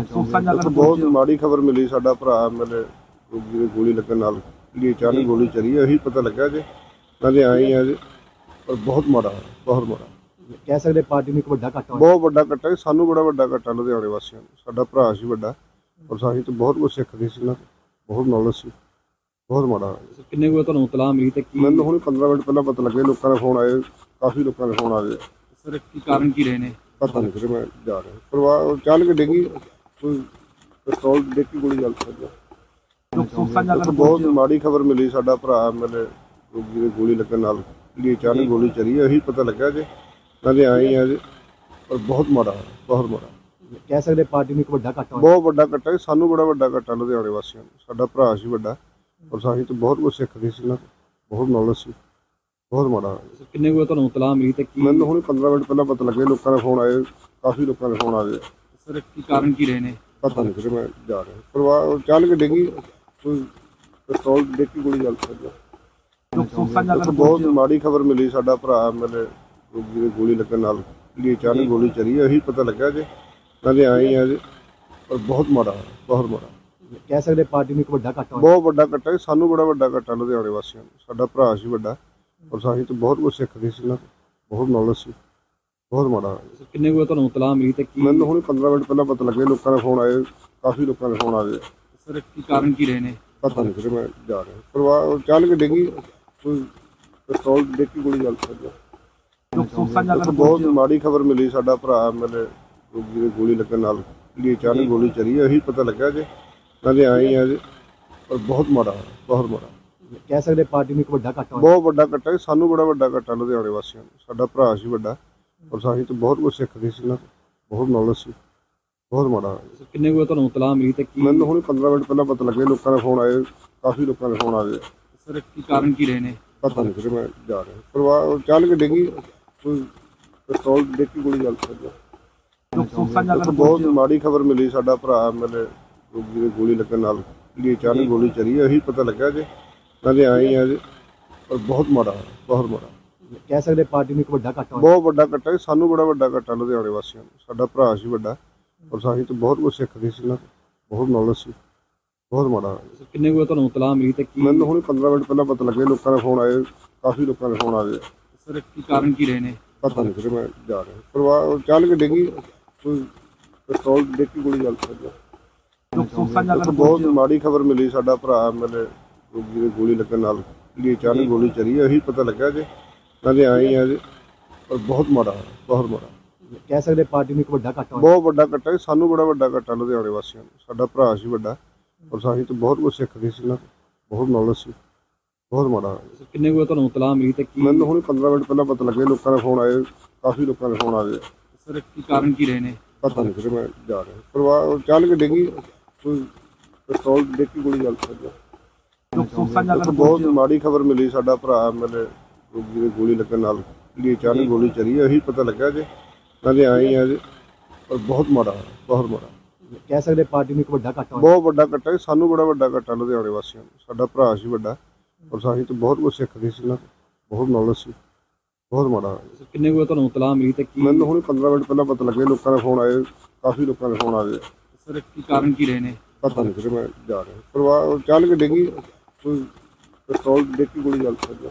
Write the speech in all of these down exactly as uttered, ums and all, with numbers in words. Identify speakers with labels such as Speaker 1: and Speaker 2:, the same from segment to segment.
Speaker 1: ਅਫਸੋਸਾਂ
Speaker 2: ਇੱਕ
Speaker 1: ਜਗ੍ਹਾ
Speaker 2: ਬਹੁਤ ਮਾੜੀ ਖਬਰ ਮਿਲੀ। ਸਾਡਾ ਭਰਾ ਮੇਰੇ ਰੋਗੀ ਦੇ ਗੋਲੀ ਲੱਗਣ ਨਾਲ ਜਿਹੜੀ ਅਚਾਨਕ ਗੋਲੀ ਚੱਲੀ ਇਹੀ ਪਤਾ ਲੱਗਾ ਜੇ ਨਾਲੇ ਆਏ ਆ ਜੇ, ਪਰ ਬਹੁਤ ਮਾੜਾ ਬਹੁਤ ਮਾੜਾ
Speaker 1: ਕਹਿ ਸਕਦੇ ਪਾਰਟੀ ਨੂੰ ਇੱਕ ਵੱਡਾ ਘਾਟਾ ਹੋਇਆ।
Speaker 2: ਬਹੁਤ ਵੱਡਾ ਘਾਟਾ ਹੈ, ਸਾਨੂੰ ਬੜਾ ਵੱਡਾ ਘਾਟਾ ਲੁਧਿਆਣੇ ਵਾਸੀਆਂ ਨੂੰ। ਸਾਡਾ ਭਰਾ ਸੀ ਵੱਡਾ, ਔਰ ਸਾਹੀ ਤੋਂ ਬਹੁਤ ਕੁਝ ਸਿੱਖਦੇ ਸੀ ਨਾ, ਬਹੁਤ ਨੌਲੇਜ ਸੀ, ਬਹੁਤ ਮਾੜਾ ਹੋਇਆ।
Speaker 1: ਕਿੰਨੇ ਕੁ ਤੁਹਾਨੂੰ ਇਤਲਾਹ ਮਿਲੀ ਤੇ ਕੀ
Speaker 2: ਮੈਨੂੰ ਹੁਣ ਪੰਦਰਾਂ ਮਿੰਟ ਪਹਿਲਾਂ ਪਤਾ ਲੱਗਿਆ, ਲੋਕਾਂ ਦੇ ਫੋਨ ਆਏ, ਕਾਫੀ ਲੋਕਾਂ ਦੇ ਫੋਨ ਆ ਗਏ।
Speaker 1: ਸਰ ਕੀ ਕਾਰਨ ਕੀ ਰਹੇ ਨੇ
Speaker 2: ਪਤਾ ਨਹੀਂ ਫਿਰ ਮੈਂ ਜਾ ਰਿਹਾ ਪਰਿਵਾਰ ਚੱਲ ਕੇ ਡਿੱਗੀ, ਕੋਈ ਪਿਸਤੌਲ ਦੇਖ ਕੇ ਗੋਲੀ ਚੱਲ ਸਕਦੀ।
Speaker 1: ਅਫਸੋਸਾਂ ਜਗ੍ਹਾ
Speaker 2: ਬਹੁਤ ਮਾੜੀ ਖਬਰ ਮਿਲੀ। ਸਾਡਾ ਭਰਾ ਮੇਰੇ ਰੋਗੀ ਦੇ ਗੋਲੀ ਲੱਗਣ ਨਾਲ ਜਿਹੜੀ ਅਚਾਨਕ ਗੋਲੀ ਚੱਲੀ ਇਹੀ ਪਤਾ ਲੱਗਾ ਜੇ ਨਾਲੇ ਆਏ ਆ ਜੇ, ਪਰ ਬਹੁਤ ਮਾੜਾ ਬਹੁਤ ਮਾੜਾ
Speaker 1: ਕਹਿ ਸਕਦੇ ਪਾਰਟੀ ਨੂੰ ਇੱਕ ਵੱਡਾ ਘਾਟਾ ਹੋਇਆ।
Speaker 2: ਬਹੁਤ ਵੱਡਾ ਘਾਟਾ ਹੈ, ਸਾਨੂੰ ਬੜਾ ਵੱਡਾ ਘਾਟਾ ਲੁਧਿਆਣੇ ਵਾਸੀਆਂ ਨੂੰ। ਸਾਡਾ ਭਰਾ ਸੀ ਵੱਡਾ, ਔਰ ਸਾਹੀ ਤੋਂ ਬਹੁਤ ਕੁਝ ਸਿੱਖਦੇ ਸੀ ਨਾ, ਬਹੁਤ ਨੌਲੇਜ ਸੀ, ਬਹੁਤ ਮਾੜਾ ਹੋਇਆ।
Speaker 1: ਕਿੰਨੇ ਕੁ ਤੁਹਾਨੂੰ ਇਤਲਾਹ ਮਿਲੀ ਤੇ ਕੀ
Speaker 2: ਮੈਨੂੰ ਹੁਣ ਪੰਦਰਾਂ ਮਿੰਟ ਪਹਿਲਾਂ ਪਤਾ ਲੱਗਿਆ, ਲੋਕਾਂ ਦੇ ਫੋਨ ਆਏ, ਕਾਫੀ ਲੋਕਾਂ ਦੇ ਫੋਨ ਆ ਗਏ।
Speaker 1: ਸਰ ਕੀ ਕਾਰਨ ਕੀ ਰਹੇ ਨੇ
Speaker 2: ਪਤਾ ਨਹੀਂ ਫਿਰ ਮੈਂ ਜਾ ਰਿਹਾ ਪਰਿਵਾਰ ਚੱਲ ਕੇ ਡਿੱਗੀ, ਕੋਈ ਪਿਸਤੌਲ ਦੇਖ ਕੇ ਗੋਲੀ ਚੱਲ ਸਕਦੀ।
Speaker 1: ਅਫਸੋਸਾਂ ਜਗ੍ਹਾ
Speaker 2: ਬਹੁਤ ਮਾੜੀ ਖਬਰ ਮਿਲੀ। ਸਾਡਾ ਭਰਾ ਮੇਰੇ ਰੋਗੀ ਦੇ ਗੋਲੀ ਲੱਗਣ ਨਾਲ ਜਿਹੜੀ ਅਚਾਨਕ ਗੋਲੀ ਚੱਲੀ ਇਹੀ ਪਤਾ ਲੱਗਾ ਜੇ ਨਾਲੇ ਆਏ ਆ ਜੇ, ਪਰ ਬਹੁਤ ਮਾੜਾ ਬਹੁਤ ਮਾੜਾ
Speaker 1: ਕਹਿ ਸਕਦੇ ਪਾਰਟੀ ਨੂੰ ਇੱਕ ਵੱਡਾ ਘਾਟਾ ਹੋਇਆ।
Speaker 2: ਬਹੁਤ ਵੱਡਾ ਘਾਟਾ ਹੈ, ਸਾਨੂੰ ਬੜਾ ਵੱਡਾ ਘਾਟਾ ਲੁਧਿਆਣੇ ਵਾਸੀਆਂ ਨੂੰ। ਸਾਡਾ ਭਰਾ ਸੀ ਵੱਡਾ, ਔਰ ਸਾਹੀ ਤੋਂ ਬਹੁਤ ਕੁਝ ਸਿੱਖਦੇ ਸੀ ਨਾ, ਬਹੁਤ ਨੌਲੇਜ ਸੀ, ਬਹੁਤ ਮਾੜਾ ਹੋਇਆ।
Speaker 1: ਕਿੰਨੇ ਕੁ ਤੁਹਾਨੂੰ ਇਤਲਾਹ ਮਿਲੀ ਤੇ ਕੀ
Speaker 2: ਮੈਨੂੰ ਹੁਣ ਪੰਦਰਾਂ ਮਿੰਟ ਪਹਿਲਾਂ ਪਤਾ ਲੱਗਿਆ, ਲੋਕਾਂ ਦੇ ਫੋਨ ਆਏ, ਕਾਫੀ ਲੋਕਾਂ ਦੇ ਫੋਨ ਆ ਗਏ।
Speaker 1: ਸਰ ਕੀ ਕਾਰਨ ਕੀ ਰਹੇ ਨੇ
Speaker 2: ਪਤਾ ਨਹੀਂ ਫਿਰ ਮੈਂ ਜਾ ਰਿਹਾ ਪਰਿਵਾਰ ਚੱਲ ਕੇ ਡਿੱਗੀ, ਕੋਈ ਪਿਸਤੌਲ ਦੇਖ ਕੇ ਗੋਲੀ ਚੱਲ ਸਕਦੀ।
Speaker 1: ਅਫਸੋਸਾਂ ਜਗ੍ਹਾ
Speaker 2: ਬਹੁਤ ਮਾੜੀ ਖਬਰ ਮਿਲੀ। ਸਾਡਾ ਭਰਾ ਮੇਰੇ ਰੋਗੀ ਦੇ ਗੋਲੀ ਲੱਗਣ ਨਾਲ ਜਿਹੜੀ ਅਚਾਨਕ ਗੋਲੀ ਚੱਲੀ ਇਹੀ ਪਤਾ ਲੱਗਾ ਜੇ ਨਾਲੇ ਆਏ ਆ ਜੇ, ਪਰ ਬਹੁਤ ਮਾੜਾ ਬਹੁਤ ਮਾੜਾ
Speaker 1: ਕਹਿ ਸਕਦੇ ਪਾਰਟੀ ਨੂੰ ਇੱਕ ਵੱਡਾ ਘਾਟਾ ਹੋਇਆ।
Speaker 2: ਬਹੁਤ ਵੱਡਾ ਘਾਟਾ ਹੈ, ਸਾਨੂੰ ਬੜਾ ਵੱਡਾ ਘਾਟਾ ਲੁਧਿਆਣੇ ਵਾਸੀਆਂ ਨੂੰ। ਸਾਡਾ ਭਰਾ ਸੀ ਵੱਡਾ, ਔਰ ਸਾਹੀ ਤੋਂ ਬਹੁਤ ਕੁਝ ਸਿੱਖਦੇ ਸੀ ਨਾ, ਬਹੁਤ ਨੌਲੇਜ ਸੀ, ਬਹੁਤ ਮਾੜਾ ਹੋਇਆ।
Speaker 1: ਕਿੰਨੇ ਕੁ ਤੁਹਾਨੂੰ ਇਤਲਾਹ ਮਿਲੀ ਤੇ ਕੀ
Speaker 2: ਮੈਨੂੰ ਹੁਣ ਪੰਦਰਾਂ ਮਿੰਟ ਪਹਿਲਾਂ ਪਤਾ ਲੱਗਿਆ, ਲੋਕਾਂ ਦੇ ਫੋਨ ਆਏ, ਕਾਫੀ ਲੋਕਾਂ ਦੇ ਫੋਨ ਆ ਗਏ।
Speaker 1: ਸਰ ਕੀ ਕਾਰਨ ਕੀ ਰਹੇ ਨੇ
Speaker 2: ਪਤਾ ਨਹੀਂ ਫਿਰ ਮੈਂ ਜਾ ਰਿਹਾ ਪਰਿਵਾਰ ਚੱਲ ਕੇ ਡਿੱਗੀ, ਕੋਈ ਪਿਸਤੌਲ ਦੇਖ ਕੇ ਗੋਲੀ ਚੱਲ ਸਕਦੀ।
Speaker 1: ਅਫਸੋਸਾਂ ਜਗ੍ਹਾ
Speaker 2: ਬਹੁਤ ਮਾੜੀ ਖਬਰ ਮਿਲੀ। ਸਾਡਾ ਭਰਾ ਮੇਰੇ ਰੋਗੀ ਦੇ ਗੋਲੀ ਲੱਗਣ ਨਾਲ ਜਿਹੜੀ ਅਚਾਨਕ ਗੋਲੀ ਚੱਲੀ ਇਹੀ ਪਤਾ ਲੱਗਾ ਜੇ ਨਾਲੇ ਆਏ ਆ ਜੇ, ਪਰ ਬਹੁਤ ਮਾੜਾ ਬਹੁਤ ਮਾੜਾ
Speaker 1: ਕਹਿ ਸਕਦੇ ਪਾਰਟੀ ਨੂੰ ਇੱਕ ਵੱਡਾ ਘਾਟਾ ਹੋਇਆ।
Speaker 2: ਬਹੁਤ ਵੱਡਾ ਘਾਟਾ ਹੈ, ਸਾਨੂੰ ਬੜਾ ਵੱਡਾ ਘਾਟਾ ਲੁਧਿਆਣੇ ਵਾਸੀਆਂ ਨੂੰ। ਸਾਡਾ ਭਰਾ ਸੀ ਵੱਡਾ, ਔਰ ਸਾਹੀ ਤੋਂ ਬਹੁਤ ਕੁਝ ਸਿੱਖਦੇ ਸੀ ਨਾ, ਬਹੁਤ ਨੌਲੇਜ ਸੀ, ਬਹੁਤ ਮਾੜਾ ਹੋਇਆ।
Speaker 1: ਕਿੰਨੇ ਕੁ ਤੁਹਾਨੂੰ ਇਤਲਾਹ ਮਿਲੀ ਤੇ ਕੀ
Speaker 2: ਮੈਨੂੰ ਹੁਣ ਪੰਦਰਾਂ ਮਿੰਟ ਪਹਿਲਾਂ ਪਤਾ ਲੱਗਿਆ, ਲੋਕਾਂ ਦੇ ਫੋਨ ਆਏ, ਕਾਫੀ ਲੋਕਾਂ ਦੇ ਫੋਨ ਆ ਗਏ।
Speaker 1: ਸਰ ਕੀ ਕਾਰਨ ਕੀ ਰਹੇ ਨੇ
Speaker 2: ਪਤਾ ਨਹੀਂ ਫਿਰ ਮੈਂ ਜਾ ਰਿਹਾ ਪਰਿਵਾਰ ਚੱਲ ਕੇ ਡਿੱਗੀ, ਕੋਈ ਪਿਸਤੌਲ ਦੇਖ ਕੇ ਗੋਲੀ ਚੱਲ ਸਕਦੀ।
Speaker 1: ਅਫਸੋਸਾਂ ਜਗ੍ਹਾ
Speaker 2: ਬਹੁਤ ਮਾੜੀ ਖਬਰ ਮਿਲੀ। ਸਾਡਾ ਭਰਾ ਮੇਰੇ ਰੋਗੀ ਦੇ ਗੋਲੀ ਲੱਗਣ ਨਾਲ ਜਿਹੜੀ ਅਚਾਨਕ ਗੋਲੀ ਚੱਲੀ ਇਹੀ ਪਤਾ ਲੱਗਾ ਜੇ ਨਾਲੇ ਆਏ ਆ ਜੇ, ਪਰ ਬਹੁਤ ਮਾੜਾ ਬਹੁਤ ਮਾੜਾ
Speaker 1: ਕਹਿ ਸਕਦੇ ਪਾਰਟੀ ਨੂੰ ਇੱਕ ਵੱਡਾ ਘਾਟਾ ਹੋਇਆ।
Speaker 2: ਬਹੁਤ ਵੱਡਾ ਘਾਟਾ ਹੈ, ਸਾਨੂੰ ਬੜਾ ਵੱਡਾ ਘਾਟਾ ਲੁਧਿਆਣੇ ਵਾਸੀਆਂ ਨੂੰ। ਸਾਡਾ ਭਰਾ ਸੀ ਵੱਡਾ, ਔਰ ਸਾਹੀ ਤੋਂ ਬਹੁਤ ਕੁਝ ਸਿੱਖਦੇ ਸੀ ਨਾ, ਬਹੁਤ ਨੌਲੇਜ ਸੀ, ਬਹੁਤ ਮਾੜਾ ਹੋਇਆ।
Speaker 1: ਕਿੰਨੇ ਕੁ ਤੁਹਾਨੂੰ ਇਤਲਾਹ ਮਿਲੀ ਤੇ ਕੀ
Speaker 2: ਮੈਨੂੰ ਹੁਣ ਪੰਦਰਾਂ ਮਿੰਟ ਪਹਿਲਾਂ ਪਤਾ ਲੱਗਿਆ, ਲੋਕਾਂ ਦੇ ਫੋਨ ਆਏ, ਕਾਫੀ ਲੋਕਾਂ ਦੇ ਫੋਨ ਆ ਗਏ।
Speaker 1: ਸਰ ਕੀ ਕਾਰਨ ਕੀ ਰਹੇ ਨੇ
Speaker 2: ਪਤਾ ਨਹੀਂ ਫਿਰ ਮੈਂ ਜਾ ਰਿਹਾ ਪਰਿਵਾਰ ਚੱਲ ਕੇ ਡਿੱਗੀ, ਕੋਈ ਪਿਸਤੌਲ ਦੇਖ ਕੇ ਗੋਲੀ ਚੱਲ ਸਕਦੀ।
Speaker 1: ਅਫਸੋਸਾਂ ਜਗ੍ਹਾ
Speaker 2: ਬਹੁਤ ਮਾੜੀ ਖਬਰ ਮਿਲੀ। ਸਾਡਾ ਭਰਾ ਮੇਰੇ ਰੋਗੀ ਦੇ ਗੋਲੀ ਲੱਗਣ ਨਾਲ ਜਿਹੜੀ ਅਚਾਨਕ ਗੋਲੀ ਚੱਲੀ ਇਹੀ ਪਤਾ ਲੱਗਾ ਜੇ ਨਾਲੇ ਆਏ ਆ ਜੇ, ਪਰ ਬਹੁਤ ਮਾੜਾ ਬਹੁਤ ਮਾੜਾ
Speaker 1: ਕਹਿ ਸਕਦੇ ਪਾਰਟੀ ਨੂੰ ਇੱਕ ਵੱਡਾ ਘਾਟਾ ਹੋਇਆ।
Speaker 2: ਬਹੁਤ ਵੱਡਾ ਘਾਟਾ ਹੈ, ਸਾਨੂੰ ਬੜਾ ਵੱਡਾ ਘਾਟਾ ਲੁਧਿਆਣੇ ਵਾਸੀਆਂ ਨੂੰ। ਸਾਡਾ ਭਰਾ ਸੀ ਵੱਡਾ, ਔਰ ਸਾਹੀ ਤੋਂ ਬਹੁਤ ਕੁਝ ਸਿੱਖਦੇ ਸੀ ਨਾ, ਬਹੁਤ ਨੌਲੇਜ ਸੀ, ਬਹੁਤ ਮਾੜਾ ਹੋਇਆ।
Speaker 1: ਕਿੰਨੇ ਕੁ ਤੁਹਾਨੂੰ ਇਤਲਾਹ ਮਿਲੀ ਤੇ ਕੀ
Speaker 2: ਮੈਨੂੰ ਹੁਣ ਪੰਦਰਾਂ ਮਿੰਟ ਪਹਿਲਾਂ ਪਤਾ ਲੱਗਿਆ, ਲੋਕਾਂ ਦੇ ਫੋਨ ਆਏ, ਕਾਫੀ ਲੋਕਾਂ ਦੇ ਫੋਨ ਆ ਗਏ।
Speaker 1: ਸਰ ਕੀ ਕਾਰਨ ਕੀ ਰਹੇ ਨੇ
Speaker 2: ਪਤਾ ਨਹੀਂ ਫਿਰ ਮੈਂ ਜਾ ਰਿਹਾ ਪਰਿਵਾਰ ਚੱਲ ਕੇ ਡਿੱਗੀ, ਕੋਈ ਪਿਸਤੌਲ ਦੇਖ ਕੇ ਗੋਲੀ ਚੱਲ ਸਕਦੀ।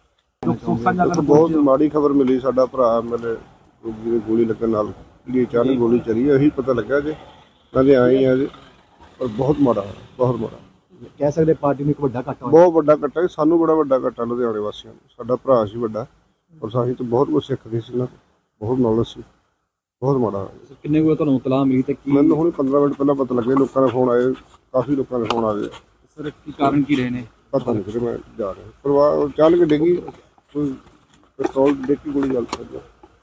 Speaker 1: ਅਫਸੋਸਾਂ ਜਗ੍ਹਾ
Speaker 2: ਬਹੁਤ ਮਾੜੀ ਖਬਰ ਮਿਲੀ। ਸਾਡਾ ਭਰਾ ਮੇਰੇ ਰੋਗੀ ਦੇ ਗੋਲੀ ਲੱਗਣ ਨਾਲ ਜਿਹੜੀ ਅਚਾਨਕ ਗੋਲੀ ਚੱਲੀ ਇਹੀ ਪਤਾ ਲੱਗਾ ਜੇ ਨਾਲੇ ਆਏ ਆ ਜੇ, ਪਰ ਬਹੁਤ ਮਾੜਾ ਬਹੁਤ ਮਾੜਾ
Speaker 1: ਕਹਿ ਸਕਦੇ ਪਾਰਟੀ ਨੂੰ ਇੱਕ ਵੱਡਾ ਘਾਟਾ ਹੋਇਆ।
Speaker 2: ਬਹੁਤ ਵੱਡਾ ਘਾਟਾ ਹੈ, ਸਾਨੂੰ ਬੜਾ ਵੱਡਾ ਘਾਟਾ ਲੁਧਿਆਣੇ ਵਾਸੀਆਂ ਨੂੰ। ਸਾਡਾ ਭਰਾ ਸੀ ਵੱਡਾ, ਔਰ ਸਾਹੀ ਤੋਂ ਬਹੁਤ ਕੁਝ ਸਿੱਖਦੇ ਸੀ ਨਾ, ਬਹੁਤ ਨੌਲੇਜ ਸੀ, ਬਹੁਤ ਮਾੜਾ ਹੋਇਆ।
Speaker 1: ਕਿੰਨੇ ਕੁ ਤੁਹਾਨੂੰ ਇਤਲਾਹ ਮਿਲੀ ਤੇ ਕੀ
Speaker 2: ਮੈਨੂੰ ਹੁਣ ਪੰਦਰਾਂ ਮਿੰਟ ਪਹਿਲਾਂ ਪਤਾ ਲੱਗਿਆ, ਲੋਕਾਂ ਦੇ ਫੋਨ ਆਏ, ਕਾਫੀ ਲੋਕਾਂ ਦੇ ਫੋਨ ਆ ਗਏ।
Speaker 1: ਸਰ ਕੀ ਕਾਰਨ ਕੀ ਰਹੇ ਨੇ
Speaker 2: ਪਤਾ ਨਹੀਂ ਫਿਰ ਮੈਂ ਜਾ ਰਿਹਾ ਪਰਿਵਾਰ ਚੱਲ ਕੇ ਡਿੱਗੀ, ਕੋਈ ਪਿਸਤੌਲ ਦੇਖ ਕੇ ਗੋਲੀ ਚੱਲ ਸਕਦੀ।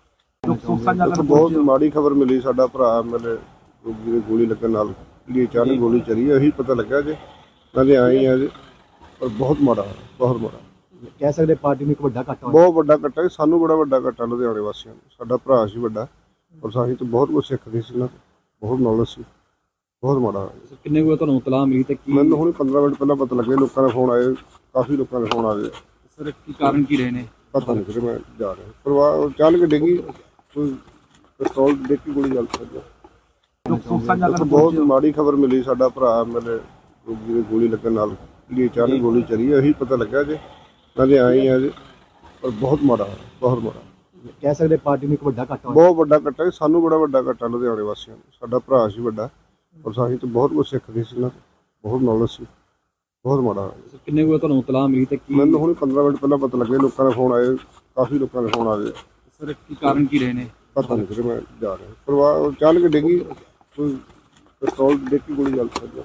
Speaker 1: ਅਫਸੋਸਾਂ ਜਗ੍ਹਾ
Speaker 2: ਬਹੁਤ ਮਾੜੀ ਖਬਰ ਮਿਲੀ। ਸਾਡਾ ਭਰਾ ਮੇਰੇ ਰੋਗੀ ਦੇ ਗੋਲੀ ਲੱਗਣ ਨਾਲ ਜਿਹੜੀ ਅਚਾਨਕ ਗੋਲੀ ਚੱਲੀ ਇਹੀ ਪਤਾ ਲੱਗਾ ਜੇ ਨਾਲੇ ਆਏ ਆ ਜੇ, ਪਰ ਬਹੁਤ ਮਾੜਾ ਬਹੁਤ ਮਾੜਾ
Speaker 1: ਕਹਿ ਸਕਦੇ ਪਾਰਟੀ ਨੂੰ ਇੱਕ ਵੱਡਾ ਘਾਟਾ ਹੋਇਆ।
Speaker 2: ਬਹੁਤ ਵੱਡਾ ਘਾਟਾ ਹੈ, ਸਾਨੂੰ ਬੜਾ ਵੱਡਾ ਘਾਟਾ ਲੁਧਿਆਣੇ ਵਾਸੀਆਂ ਨੂੰ। ਸਾਡਾ ਭਰਾ ਸੀ ਵੱਡਾ, ਔਰ ਸਾਹੀ ਤੋਂ ਬਹੁਤ ਕੁਝ ਸਿੱਖਦੇ ਸੀ ਨਾ, ਬਹੁਤ ਨੌਲੇਜ ਸੀ, ਬਹੁਤ ਮਾੜਾ ਹੋਇਆ।
Speaker 1: ਕਿੰਨੇ ਕੁ ਤੁਹਾਨੂੰ ਇਤਲਾਹ ਮਿਲੀ ਤੇ ਕੀ
Speaker 2: ਮੈਨੂੰ ਹੁਣ ਪੰਦਰਾਂ ਮਿੰਟ ਪਹਿਲਾਂ ਪਤਾ ਲੱਗਿਆ, ਲੋਕਾਂ ਦੇ ਫੋਨ ਆਏ, ਕਾਫੀ ਲੋਕਾਂ ਦੇ ਫੋਨ ਆ ਗਏ।
Speaker 1: ਸਰ ਕੀ ਕਾਰਨ ਕੀ ਰਹੇ ਨੇ
Speaker 2: ਪਤਾ ਨਹੀਂ ਫਿਰ ਮੈਂ ਜਾ ਰਿਹਾ ਪਰਿਵਾਰ ਚੱਲ ਕੇ ਡਿੱਗੀ, ਕੋਈ ਪਿਸਤੌਲ ਦੇਖ ਕੇ ਗੋਲੀ ਚੱਲ ਸਕਦੀ।
Speaker 1: ਸੁੱਖ ਸਾਂਝਾ ਕਰਨ
Speaker 2: ਬਹੁਤ ਮਾੜੀ ਖਬਰ ਮਿਲੀ। ਸਾਡਾ ਭਰਾ ਮੇਰੇ ਰੋਗੀ ਦੇ ਗੋਲੀ ਲੱਗਣ ਨਾਲ ਜਿਹੜੀ ਅਚਾਨਕ ਗੋਲੀ ਚੱਲੀ ਹੈ, ਇਹੀ ਪਤਾ ਲੱਗਾ ਜੇ ਨਾਲੇ ਆਏ ਆ ਜੀ, ਪਰ ਬਹੁਤ ਮਾੜਾ ਹੋਇਆ, ਬਹੁਤ ਮਾੜਾ
Speaker 1: ਕਹਿ ਸਕਦੇ ਪਾਰਟੀ ਨੂੰ ਇੱਕ ਵੱਡਾ ਘਾਟਾ ਹੋਇਆ।
Speaker 2: ਬਹੁਤ ਵੱਡਾ ਘਾਟਾ ਹੈ, ਸਾਨੂੰ ਬੜਾ ਵੱਡਾ ਘਾਟਾ ਲੁਧਿਆਣੇ ਵਾਸੀਆਂ ਨੂੰ। ਸਾਡਾ ਭਰਾ ਸੀ ਵੱਡਾ, ਔਰ ਸਾਹੀਂ ਤੋਂ ਬਹੁਤ ਕੁਝ ਸਿੱਖਦੇ ਸੀ ਨਾ, ਬਹੁਤ ਨੌਲੇਜ ਸੀ, ਬਹੁਤ ਮਾੜਾ ਹੋਇਆ।
Speaker 1: ਕਿੰਨੇ ਕੁ ਤੁਹਾਨੂੰ ਇਤਲਾਹ ਮਿਲੀ ਤੇ ਕੀ
Speaker 2: ਮੈਨੂੰ ਹੁਣ ਪੰਦਰਾਂ ਮਿੰਟ ਪਹਿਲਾਂ ਪਤਾ ਲੱਗਿਆ, ਲੋਕਾਂ ਦੇ ਫੋਨ ਆਏ, ਕਾਫੀ ਲੋਕਾਂ ਦੇ ਫੋਨ ਆ ਗਏ।
Speaker 1: ਸਰ ਕੀ ਕਾਰਨ ਕੀ ਰਹੇ ਨੇ?
Speaker 2: ਪਤਾ ਨਹੀਂ ਫਿਰ ਮੈਂ ਜਾ ਰਿਹਾ ਪਰਿਵਾਰ ਚੱਲ ਕੇ ਡਿੱਗੀ, ਕੋਈ ਪਿਸਤੌਲ ਦੇਖ ਕੇ ਗੋਲੀ ਚੱਲ ਸਕਦੀ।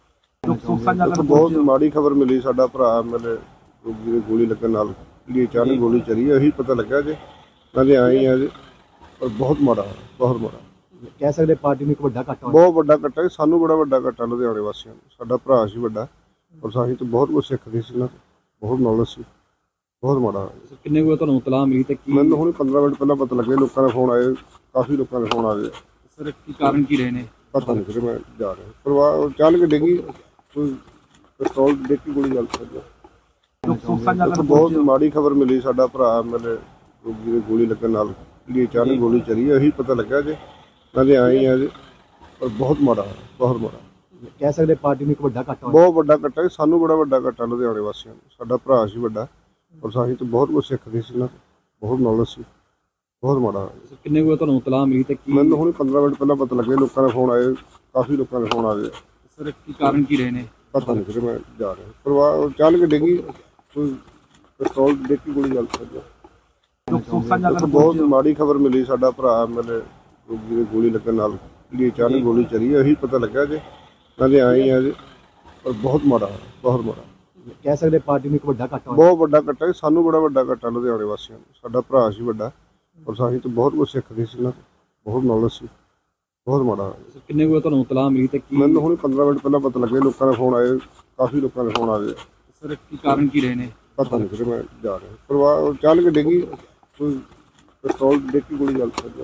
Speaker 1: ਸੁੱਖ ਸਾਂਝਾ ਕਰਨ
Speaker 2: ਬਹੁਤ ਮਾੜੀ ਖਬਰ ਮਿਲੀ। ਸਾਡਾ ਭਰਾ ਮੇਰੇ ਰੋਗੀ ਦੇ ਗੋਲੀ ਲੱਗਣ ਨਾਲ ਜਿਹੜੀ ਅਚਾਨਕ ਗੋਲੀ ਚੱਲੀ ਹੈ, ਇਹੀ ਪਤਾ ਲੱਗਾ ਜੇ ਨਾਲੇ ਆਏ ਆ ਜੀ, ਪਰ ਬਹੁਤ ਮਾੜਾ ਹੋਇਆ, ਬਹੁਤ ਮਾੜਾ।
Speaker 1: ਕਹਿ ਸਕਦੇ ਪਾਰਟੀ ਨੂੰ ਇੱਕ ਵੱਡਾ ਘਾਟਾ ਹੋਇਆ।
Speaker 2: ਬਹੁਤ ਵੱਡਾ ਘਾਟਾ ਹੈ, ਸਾਨੂੰ ਬੜਾ ਵੱਡਾ ਘਾਟਾ ਲੁਧਿਆਣੇ ਵਾਸੀਆਂ ਨੂੰ। ਸਾਡਾ ਭਰਾ ਸੀ ਵੱਡਾ, ਔਰ ਸਾਹੀਂ ਤੋਂ ਬਹੁਤ ਕੁਝ ਸਿੱਖਦੇ ਸੀ ਨਾ, ਬਹੁਤ ਨੌਲੇਜ ਸੀ, ਬਹੁਤ ਮਾੜਾ ਹੋਇਆ।
Speaker 1: ਕਿੰਨੇ ਕੁ ਤੁਹਾਨੂੰ ਇਤਲਾਹ ਮਿਲੀ ਤੇ ਕੀ
Speaker 2: ਮੈਨੂੰ ਹੁਣ ਪੰਦਰਾਂ ਮਿੰਟ ਪਹਿਲਾਂ ਪਤਾ ਲੱਗਿਆ, ਲੋਕਾਂ ਦੇ ਫੋਨ ਆਏ, ਕਾਫੀ ਲੋਕਾਂ ਦੇ ਫੋਨ ਆ ਗਏ।
Speaker 1: ਸਰ ਕੀ ਕਾਰਨ ਕੀ ਰਹੇ ਨੇ?
Speaker 2: ਪਤਾ ਨਹੀਂ ਫਿਰ ਮੈਂ ਜਾ ਰਿਹਾ ਪਰਿਵਾਰ ਚੱਲ ਕੇ ਡਿੱਗੀ, ਕੋਈ ਪਿਸਤੌਲ ਦੇਖ ਕੇ ਗੋਲੀ ਚੱਲ ਸਕਦੀ।
Speaker 1: ਸੁੱਖ ਸਾਂਝਾ ਕਰਨ
Speaker 2: ਬਹੁਤ ਮਾੜੀ ਖਬਰ ਮਿਲੀ। ਸਾਡਾ ਭਰਾ ਮੇਰੇ ਰੋਗੀ ਦੇ ਗੋਲੀ ਲੱਗਣ ਨਾਲ ਜਿਹੜੀ ਅਚਾਨਕ ਗੋਲੀ ਚੱਲੀ ਹੈ, ਇਹੀ ਪਤਾ ਲੱਗਾ ਜੇ ਨਾਲੇ ਆਏ ਆ ਜੀ, ਪਰ ਬਹੁਤ ਮਾੜਾ ਹੋਇਆ, ਬਹੁਤ ਮਾੜਾ।
Speaker 1: ਕਹਿ ਸਕਦੇ ਪਾਰਟੀ ਨੂੰ ਇੱਕ ਵੱਡਾ ਘਾਟਾ ਹੋਇਆ।
Speaker 2: ਬਹੁਤ ਵੱਡਾ ਘਾਟਾ ਹੈ, ਸਾਨੂੰ ਬੜਾ ਵੱਡਾ ਘਾਟਾ ਲੁਧਿਆਣੇ ਵਾਸੀਆਂ ਨੂੰ। ਸਾਡਾ ਭਰਾ ਸੀ ਵੱਡਾ, ਔਰ ਸਾਹੀਂ ਤੋਂ ਬਹੁਤ ਕੁਝ ਸਿੱਖਦੇ ਸੀ ਨਾ, ਬਹੁਤ ਨੌਲੇਜ ਸੀ, ਬਹੁਤ ਮਾੜਾ ਹੋਇਆ।
Speaker 1: ਕਿੰਨੇ ਕੁ ਤੁਹਾਨੂੰ ਇਤਲਾਹ ਮਿਲੀ ਤੇ ਕੀ
Speaker 2: ਮੈਨੂੰ ਹੁਣ ਪੰਦਰਾਂ ਮਿੰਟ ਪਹਿਲਾਂ ਪਤਾ ਲੱਗਿਆ, ਲੋਕਾਂ ਦੇ ਫੋਨ ਆਏ, ਕਾਫੀ ਲੋਕਾਂ ਦੇ ਫੋਨ ਆ ਗਏ।
Speaker 1: ਸਰ ਕੀ ਕਾਰਨ ਕੀ ਰਹੇ ਨੇ?
Speaker 2: ਪਤਾ ਨਹੀਂ ਫਿਰ ਮੈਂ ਜਾ ਰਿਹਾ ਪਰਿਵਾਰ ਚੱਲ ਕੇ ਡਿੱਗੀ, ਕੋਈ ਪਿਸਤੌਲ ਦੇਖ ਕੇ ਗੋਲੀ ਚੱਲ ਸਕਦੀ।
Speaker 1: ਸੁੱਖ ਸਾਂਝਾ ਕਰਨ
Speaker 2: ਬਹੁਤ ਮਾੜੀ ਖਬਰ ਮਿਲੀ। ਸਾਡਾ ਭਰਾ ਮੇਰੇ ਰੋਗੀ ਦੇ ਗੋਲੀ ਲੱਗਣ ਨਾਲ ਜਿਹੜੀ ਅਚਾਨਕ ਗੋਲੀ ਚੱਲੀ ਹੈ, ਇਹੀ ਪਤਾ ਲੱਗਾ ਜੇ ਨਾਲੇ ਆਏ ਆ ਜੀ, ਪਰ ਬਹੁਤ ਮਾੜਾ ਹੋਇਆ, ਬਹੁਤ ਮਾੜਾ।
Speaker 1: ਕਹਿ ਸਕਦੇ ਪਾਰਟੀ ਨੂੰ ਇੱਕ ਵੱਡਾ ਘਾਟਾ ਹੋਇਆ।
Speaker 2: ਬਹੁਤ ਵੱਡਾ ਘਾਟਾ ਹੈ, ਸਾਨੂੰ ਬੜਾ ਵੱਡਾ ਘਾਟਾ ਲੁਧਿਆਣੇ ਵਾਸੀਆਂ ਨੂੰ। ਸਾਡਾ ਭਰਾ ਸੀ ਵੱਡਾ, ਔਰ ਸਾਹੀਂ ਤੋਂ ਬਹੁਤ ਕੁਝ ਸਿੱਖਦੇ ਸੀ ਨਾ, ਬਹੁਤ ਨੌਲੇਜ ਸੀ, ਬਹੁਤ ਮਾੜਾ ਹੋਇਆ।
Speaker 1: ਕਿੰਨੇ ਕੁ ਤੁਹਾਨੂੰ ਇਤਲਾਹ ਮਿਲੀ ਤੇ ਕੀ
Speaker 2: ਮੈਨੂੰ ਹੁਣ ਪੰਦਰਾਂ ਮਿੰਟ ਪਹਿਲਾਂ ਪਤਾ ਲੱਗਿਆ, ਲੋਕਾਂ ਦੇ ਫੋਨ ਆਏ, ਕਾਫੀ ਲੋਕਾਂ ਦੇ ਫੋਨ ਆ ਗਏ।
Speaker 1: ਸਰ ਕੀ ਕਾਰਨ ਕੀ ਰਹੇ ਨੇ?
Speaker 2: ਪਤਾ ਨਹੀਂ ਫਿਰ ਮੈਂ ਜਾ ਰਿਹਾ ਪਰਿਵਾਰ ਚੱਲ ਕੇ ਡਿੱਗੀ, ਕੋਈ ਪਿਸਤੌਲ ਦੇਖ ਕੇ ਗੋਲੀ ਚੱਲ ਸਕਦੀ।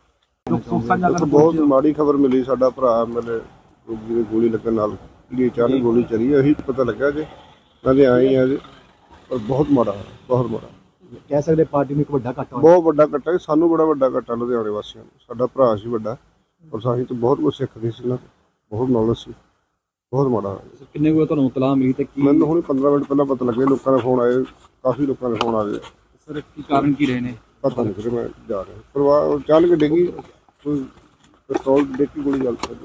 Speaker 1: ਸੁੱਖ ਸਾਂਝਾ ਕਰਨ
Speaker 2: ਬਹੁਤ ਮਾੜੀ ਖਬਰ ਮਿਲੀ। ਸਾਡਾ ਭਰਾ ਮੇਰੇ ਰੋਗੀ ਦੇ ਗੋਲੀ ਲੱਗਣ ਨਾਲ ਜਿਹੜੀ ਅਚਾਨਕ ਗੋਲੀ ਚੱਲੀ ਹੈ, ਇਹੀ ਪਤਾ ਲੱਗਾ ਜੇ ਨਾਲੇ ਆਏ ਆ ਜੀ, ਪਰ ਬਹੁਤ ਮਾੜਾ ਹੋਇਆ, ਬਹੁਤ ਮਾੜਾ।
Speaker 1: ਕਹਿ ਸਕਦੇ ਪਾਰਟੀ ਨੂੰ ਇੱਕ ਵੱਡਾ ਘਾਟਾ ਹੋਇਆ।
Speaker 2: ਬਹੁਤ ਵੱਡਾ ਘਾਟਾ ਹੈ, ਸਾਨੂੰ ਬੜਾ ਵੱਡਾ ਘਾਟਾ ਲੁਧਿਆਣੇ ਵਾਸੀਆਂ ਨੂੰ। ਸਾਡਾ ਭਰਾ ਸੀ ਵੱਡਾ, ਔਰ ਸਾਹੀਂ ਤੋਂ ਬਹੁਤ ਕੁਝ ਸਿੱਖਦੇ ਸੀ ਨਾ, ਬਹੁਤ ਨੌਲੇਜ ਸੀ, ਬਹੁਤ ਮਾੜਾ ਹੋਇਆ।
Speaker 1: ਕਿੰਨੇ ਕੁ ਤੁਹਾਨੂੰ ਇਤਲਾਹ ਮਿਲੀ ਤੇ ਕੀ
Speaker 2: ਮੈਨੂੰ ਹੁਣ ਪੰਦਰਾਂ ਮਿੰਟ ਪਹਿਲਾਂ ਪਤਾ ਲੱਗਿਆ, ਲੋਕਾਂ ਦੇ ਫੋਨ ਆਏ, ਕਾਫੀ ਲੋਕਾਂ ਦੇ ਫੋਨ ਆ ਗਏ।
Speaker 1: ਸਰ ਕੀ ਕਾਰਨ ਕੀ ਰਹੇ ਨੇ?
Speaker 2: ਪਤਾ ਨਹੀਂ ਫਿਰ ਮੈਂ ਜਾ ਰਿਹਾ ਪਰਿਵਾਰ ਚੱਲ ਕੇ ਡਿੱਗੀ, ਕੋਈ ਪਿਸਤੌਲ ਦੇਖ ਕੇ ਗੋਲੀ ਚੱਲ ਸਕਦੀ।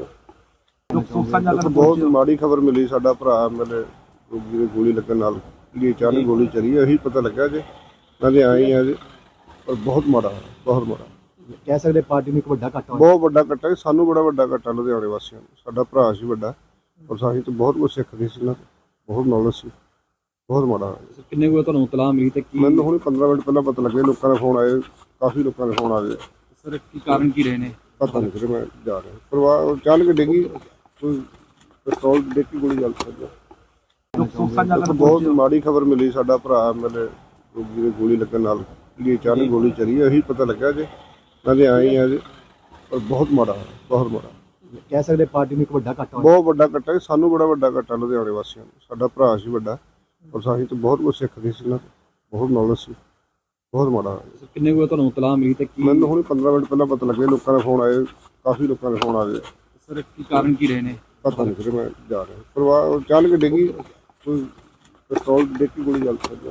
Speaker 1: ਸੁੱਖ ਸਾਂਝਾ ਕਰਨ
Speaker 2: ਬਹੁਤ ਮਾੜੀ ਖਬਰ ਮਿਲੀ। ਸਾਡਾ ਭਰਾ ਮੇਰੇ ਰੋਗੀ ਦੇ ਗੋਲੀ ਲੱਗਣ ਨਾਲ ਜਿਹੜੀ ਅਚਾਨਕ ਗੋਲੀ ਚੱਲੀ ਹੈ, ਇਹੀ ਪਤਾ ਲੱਗਾ ਜੇ ਨਾਲੇ ਆਏ ਆ ਜੀ, ਪਰ ਬਹੁਤ ਮਾੜਾ ਹੋਇਆ, ਬਹੁਤ ਮਾੜਾ।
Speaker 1: ਕਹਿ ਸਕਦੇ ਪਾਰਟੀ ਨੂੰ ਇੱਕ ਵੱਡਾ ਘਾਟਾ ਹੋਇਆ।
Speaker 2: ਬਹੁਤ ਵੱਡਾ ਘਾਟਾ ਹੈ, ਸਾਨੂੰ ਬੜਾ ਵੱਡਾ ਘਾਟਾ ਲੁਧਿਆਣੇ ਵਾਸੀਆਂ ਨੂੰ। ਸਾਡਾ ਭਰਾ ਸੀ ਵੱਡਾ, ਔਰ ਸਾਹੀਂ ਤੋਂ ਬਹੁਤ ਕੁਝ ਸਿੱਖਦੇ ਸੀ ਨਾ, ਬਹੁਤ ਨੌਲੇਜ ਸੀ, ਬਹੁਤ ਮਾੜਾ ਹੋਇਆ।
Speaker 1: ਕਿੰਨੇ ਕੁ ਤੁਹਾਨੂੰ ਇਤਲਾਹ ਮਿਲੀ ਤੇ ਕੀ
Speaker 2: ਮੈਨੂੰ ਹੁਣ ਪੰਦਰਾਂ ਮਿੰਟ ਪਹਿਲਾਂ ਪਤਾ ਲੱਗਿਆ, ਲੋਕਾਂ ਦੇ ਫੋਨ ਆਏ, ਕਾਫੀ ਲੋਕਾਂ ਦੇ ਫੋਨ ਆ ਗਏ।
Speaker 1: ਸਰ ਕੀ ਕਾਰਨ ਕੀ ਰਹੇ ਨੇ?
Speaker 2: ਪਤਾ ਨਹੀਂ ਫਿਰ ਮੈਂ ਜਾ ਰਿਹਾ ਪਰਿਵਾਰ ਚੱਲ ਕੇ ਡਿੱਗੀ, ਕੋਈ ਪਿਸਤੌਲ ਦੇਖ ਕੇ ਗੋਲੀ ਚੱਲ ਸਕਦੀ।
Speaker 1: ਸੁੱਖ ਸਾਂਝਾ ਕਰਨ
Speaker 2: ਬਹੁਤ ਮਾੜੀ ਖਬਰ ਮਿਲੀ। ਸਾਡਾ ਭਰਾ ਮੇਰੇ ਰੋਗੀ ਦੇ ਗੋਲੀ ਲੱਗਣ ਨਾਲ ਜਿਹੜੀ ਅਚਾਨਕ ਗੋਲੀ ਚੱਲੀ ਹੈ, ਇਹੀ ਪਤਾ ਲੱਗਾ ਜੇ ਨਾਲੇ ਆਏ ਆ ਜੀ, ਪਰ ਬਹੁਤ ਮਾੜਾ ਹੋਇਆ, ਬਹੁਤ ਮਾੜਾ।
Speaker 1: ਕਹਿ ਸਕਦੇ ਪਾਰਟੀ ਨੂੰ ਇੱਕ ਵੱਡਾ ਘਾਟਾ ਹੋਇਆ।
Speaker 2: ਬਹੁਤ ਵੱਡਾ ਘਾਟਾ ਹੈ, ਸਾਨੂੰ ਬੜਾ ਵੱਡਾ ਘਾਟਾ ਲੁਧਿਆਣੇ ਵਾਸੀਆਂ ਨੂੰ। ਸਾਡਾ ਭਰਾ ਸੀ ਵੱਡਾ, ਔਰ ਸਾਹੀਂ ਤੋਂ ਬਹੁਤ ਕੁਝ ਸਿੱਖਦੇ ਸੀ ਨਾ, ਬਹੁਤ ਨੌਲੇਜ ਸੀ, ਬਹੁਤ ਮਾੜਾ ਹੋਇਆ।
Speaker 1: ਕਿੰਨੇ ਕੁ ਤੁਹਾਨੂੰ ਇਤਲਾਹ ਮਿਲੀ ਤੇ ਕੀ
Speaker 2: ਮੈਨੂੰ ਹੁਣ ਪੰਦਰਾਂ ਮਿੰਟ ਪਹਿਲਾਂ ਪਤਾ ਲੱਗਿਆ, ਲੋਕਾਂ ਦੇ ਫੋਨ ਆਏ, ਕਾਫੀ ਲੋਕਾਂ ਦੇ ਫੋਨ ਆ ਗਏ।
Speaker 1: ਸਰ ਕੀ ਕਾਰਨ ਕੀ ਰਹੇ ਨੇ?
Speaker 2: ਪਤਾ ਨਹੀਂ ਫਿਰ ਮੈਂ ਜਾ ਰਿਹਾ ਪਰਿਵਾਰ ਚੱਲ ਕੇ ਡਿੱਗੀ, ਕੋਈ ਪਿਸਤੌਲ ਦੇਖ ਕੇ ਗੋਲੀ ਚੱਲ ਸਕਦੀ।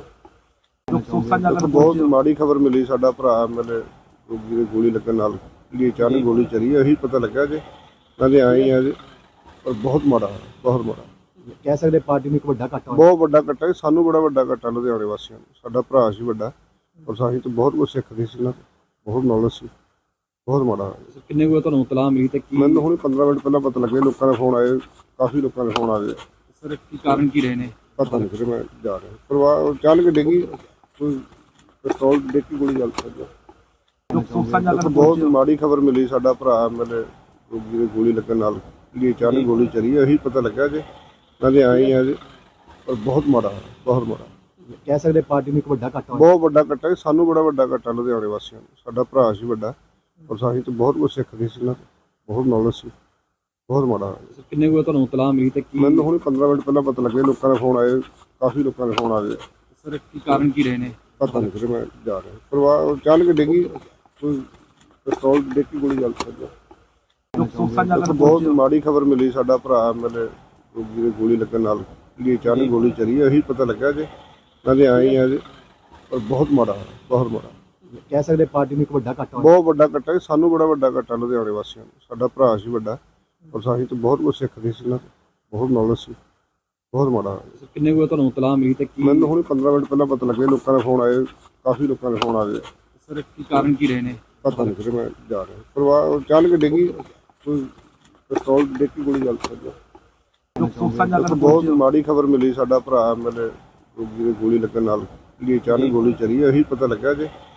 Speaker 1: ਸੁੱਖ ਸਾਂਝਾ ਕਰਨ
Speaker 2: ਬਹੁਤ ਮਾੜੀ ਖਬਰ ਮਿਲੀ। ਸਾਡਾ ਭਰਾ ਮੇਰੇ ਰੋਗੀ ਦੇ ਗੋਲੀ ਲੱਗਣ ਨਾਲ ਜਿਹੜੀ ਅਚਾਨਕ ਗੋਲੀ ਚੱਲੀ ਹੈ, ਇਹੀ ਪਤਾ ਲੱਗਾ ਜੇ ਨਾਲੇ ਆਏ ਆ ਜੀ, ਪਰ ਬਹੁਤ ਮਾੜਾ ਹੋਇਆ, ਬਹੁਤ ਮਾੜਾ।
Speaker 1: ਕਹਿ ਸਕਦੇ ਪਾਰਟੀ ਨੂੰ ਇੱਕ ਵੱਡਾ ਘਾਟਾ ਹੋਇਆ।
Speaker 2: ਬਹੁਤ ਵੱਡਾ ਘਾਟਾ ਹੈ, ਸਾਨੂੰ ਬੜਾ ਵੱਡਾ ਘਾਟਾ ਲੁਧਿਆਣੇ ਵਾਸੀਆਂ ਨੂੰ। ਸਾਡਾ ਭਰਾ ਸੀ ਵੱਡਾ, ਔਰ ਸਾਹੀਂ ਤੋਂ ਬਹੁਤ ਕੁਝ ਸਿੱਖਦੇ ਸੀ ਨਾ, ਬਹੁਤ ਨੌਲੇਜ ਸੀ, ਬਹੁਤ ਮਾੜਾ ਹੋਇਆ।
Speaker 1: ਕਿੰਨੇ ਕੁ ਤੁਹਾਨੂੰ ਇਤਲਾਹ ਮਿਲੀ ਤੇ ਕੀ
Speaker 2: ਮੈਨੂੰ ਹੁਣ ਪੰਦਰਾਂ ਮਿੰਟ ਪਹਿਲਾਂ ਪਤਾ ਲੱਗਿਆ, ਲੋਕਾਂ ਦੇ ਫੋਨ ਆਏ, ਕਾਫੀ ਲੋਕਾਂ ਦੇ ਫੋਨ ਆ ਗਏ।
Speaker 1: ਸਰ ਕੀ ਕਾਰਨ ਕੀ ਰਹੇ ਨੇ?
Speaker 2: ਪਤਾ ਨਹੀਂ ਫਿਰ ਮੈਂ ਜਾ ਰਿਹਾ ਪਰਿਵਾਰ ਚੱਲ ਕੇ ਡਿੱਗੀ, ਕੋਈ ਪਿਸਤੌਲ ਦੇਖ ਕੇ ਗੋਲੀ ਚੱਲ ਸਕਦੀ।
Speaker 1: ਸੁੱਖ ਸਾਂਝਾ ਕਰਨ
Speaker 2: ਬਹੁਤ ਮਾੜੀ ਖਬਰ ਮਿਲੀ। ਸਾਡਾ ਭਰਾ ਮੇਰੇ ਰੋਗੀ ਦੇ ਗੋਲੀ ਲੱਗਣ ਨਾਲ ਜਿਹੜੀ ਅਚਾਨਕ ਗੋਲੀ ਚੱਲੀ ਹੈ, ਇਹੀ ਪਤਾ ਲੱਗਾ ਜੇ ਨਾਲੇ ਆਏ ਆ ਜੀ, ਪਰ ਬਹੁਤ ਮਾੜਾ ਹੋਇਆ, ਬਹੁਤ ਮਾੜਾ।
Speaker 1: ਕਹਿ ਸਕਦੇ ਪਾਰਟੀ ਨੂੰ ਇੱਕ ਵੱਡਾ ਘਾਟਾ ਹੋਇਆ।
Speaker 2: ਬਹੁਤ ਵੱਡਾ ਘਾਟਾ ਹੈ, ਸਾਨੂੰ ਬੜਾ ਵੱਡਾ ਘਾਟਾ ਲੁਧਿਆਣੇ ਵਾਸੀਆਂ ਨੂੰ। ਸਾਡਾ ਭਰਾ ਸੀ ਵੱਡਾ, ਔਰ ਸਾਹੀਂ ਤੋਂ ਬਹੁਤ ਕੁਝ ਸਿੱਖਦੇ ਸੀ ਨਾ, ਬਹੁਤ ਨੌਲੇਜ ਸੀ, ਬਹੁਤ ਮਾੜਾ ਹੋਇਆ।
Speaker 1: ਕਿੰਨੇ ਕੁ ਤੁਹਾਨੂੰ ਇਤਲਾਹ ਮਿਲੀ ਤੇ ਕੀ
Speaker 2: ਮੈਨੂੰ ਹੁਣ ਪੰਦਰਾਂ ਮਿੰਟ ਪਹਿਲਾਂ ਪਤਾ ਲੱਗਿਆ, ਲੋਕਾਂ ਦੇ ਫੋਨ ਆਏ, ਕਾਫੀ ਲੋਕਾਂ ਦੇ ਫੋਨ ਆ ਗਏ।
Speaker 1: ਸਰ ਕੀ ਕਾਰਨ ਕੀ ਰਹੇ ਨੇ?
Speaker 2: ਪਤਾ ਨਹੀਂ ਫਿਰ ਮੈਂ ਜਾ ਰਿਹਾ ਪਰਿਵਾਰ ਚੱਲ ਕੇ ਡਿੱਗੀ, ਕੋਈ ਪਿਸਤੌਲ ਦੇਖ ਕੇ ਗੋਲੀ ਚੱਲ ਸਕਦੀ। ਦੇਖੋ, ਬਹੁਤ ਮਾੜੀ ਖਬਰ ਮਿਲੀ। ਸਾਡਾ ਭਰਾ ਮੈਨੇ ਰੋਗੀ ਦੇ ਗੋਲੀ ਲੱਗਣ ਨਾਲ ਜਿਹੜੀ ਅਚਾਨਕ ਗੋਲੀ ਚੱਲੀ ਹੈ, ਇਹੀ ਪਤਾ ਲੱਗਾ ਜੀ। ਮੈਂ ਤੇ ਆਏ ਹੀ ਆ ਜੀ, ਪਰ ਬਹੁਤ ਮਾੜਾ ਹੋਇਆ, ਬਹੁਤ ਮਾੜਾ।
Speaker 1: ਕਹਿ ਸਕਦੇ ਪਾਰਟੀ ਨੂੰ ਇੱਕ ਵੱਡਾ ਘਾਟਾ ਹੋਇਆ।
Speaker 2: ਬਹੁਤ ਵੱਡਾ ਘਟਾ ਹੈ, ਸਾਨੂੰ ਬੜਾ ਵੱਡਾ ਘਟਾ ਲੁਧਿਆਣੇ ਵਾਸੀਆਂ ਨੂੰ। ਸਾਡਾ ਭਰਾ ਸੀ ਵੱਡਾ, ਔਰ ਸਾਹੀਂ ਤੋਂ ਬਹੁਤ ਕੁਝ ਸਿੱਖਦੇ ਸੀ ਨਾ, ਬਹੁਤ ਨੌਲੇਜ ਸੀ। ਬਹੁਤ ਮਾੜਾ ਹੋਇਆ।
Speaker 1: ਕਿੰਨੇ ਕੁ ਵਜੇ ਤੁਹਾਨੂੰ ਇਤਲਾਹ ਮਿਲੀ ਤੇ ਕੀ
Speaker 2: ਮੈਨੂੰ ਹੁਣ ਪੰਦਰਾਂ ਮਿੰਟ ਪਹਿਲਾਂ ਪਤਾ ਲੱਗਿਆ, ਲੋਕਾਂ ਦੇ ਫੋਨ ਆਏ, ਕਾਫੀ ਲੋਕਾਂ ਦੇ ਫੋਨ ਆ ਗਏ।
Speaker 1: ਸਰ ਕੀ ਕਾਰਨ ਕੀ ਰਹੇ ਨੇ?
Speaker 2: ਪਤਾ ਨਹੀਂ ਫਿਰ ਮੈਂ ਜਾ ਰਿਹਾ ਪਰਿਵਾਰ ਅਚਾਨਕ ਡਿੱਗੀ, ਕੋਈ ਪਿਸਤੌਲ ਡਿੱਗ ਕੇ ਗੋਲੀ ਚੱਲ ਪਈ। ਦੇਖੋ, ਬਹੁਤ ਮਾੜੀ ਖਬਰ ਮਿਲੀ। ਸਾਡਾ ਭਰਾ ਮੈਨੇ ਰੋਗੀ ਦੇ ਗੋਲੀ ਲੱਗਣ ਨਾਲ ਜਿਹੜੀ ਅਚਾਨਕ ਗੋਲੀ ਚੱਲੀ ਹੈ, ਇਹੀ ਪਤਾ ਲੱਗਾ ਜੀ।